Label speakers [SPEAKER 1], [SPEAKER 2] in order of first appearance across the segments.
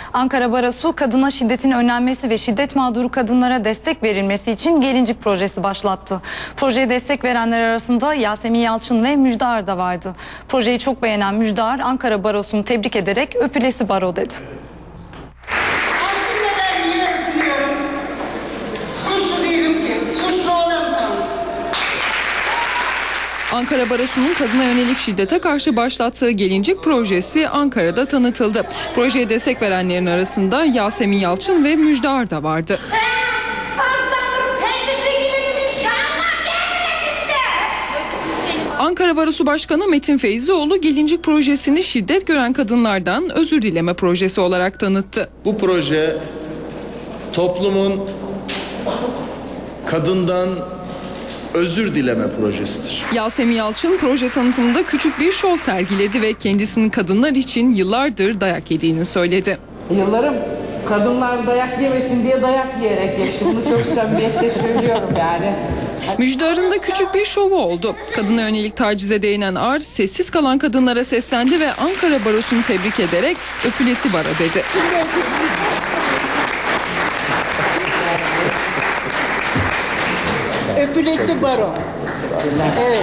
[SPEAKER 1] Ankara Barosu kadına şiddetin önlenmesi ve şiddet mağduru kadınlara destek verilmesi için Gelincik projesi başlattı. Projeye destek verenler arasında Yasemin Yalçın ve Müjdar da vardı. Projeyi çok beğenen Müjdar, Ankara Barosu'nu tebrik ederek "Öpülesi baro" dedi.
[SPEAKER 2] Ankara Barosu'nun kadına yönelik şiddete karşı başlattığı Gelincik projesi Ankara'da tanıtıldı. Projeye destek verenlerin arasında Yasemin Yalçın ve Müjdar da vardı. Ankara Barosu Başkanı Metin Feyzioğlu Gelincik projesini şiddet gören kadınlardan özür dileme projesi olarak tanıttı.
[SPEAKER 3] Bu proje toplumun kadından özür dileme projesidir.
[SPEAKER 2] Yasemin Yalçın proje tanıtımında küçük bir şov sergiledi ve kendisinin kadınlar için yıllardır dayak yediğini söyledi.
[SPEAKER 4] Yıllarım kadınlar dayak yemesin diye dayak yiyerek geçti. Bunu çok samimiyetle söylüyorum yani.
[SPEAKER 2] Müjdar'ın da küçük bir şovu oldu. Kadına yönelik tacize değinen Ar, sessiz kalan kadınlara seslendi ve Ankara Barosu'nu tebrik ederek "Öpülesi baro" dedi.
[SPEAKER 4] Öpülesi baro. Evet.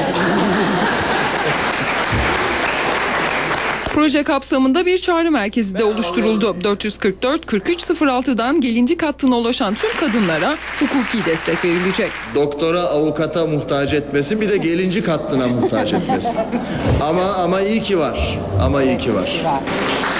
[SPEAKER 2] Proje kapsamında bir çağrı merkezi de oluşturuldu. 444-4306'dan Gelincik hattına ulaşan tüm kadınlara hukuki destek verilecek.
[SPEAKER 3] Doktora, avukata muhtaç etmesin, bir de Gelincik hattına muhtaç etmesin. Ama iyi ki var. Ama iyi ki var.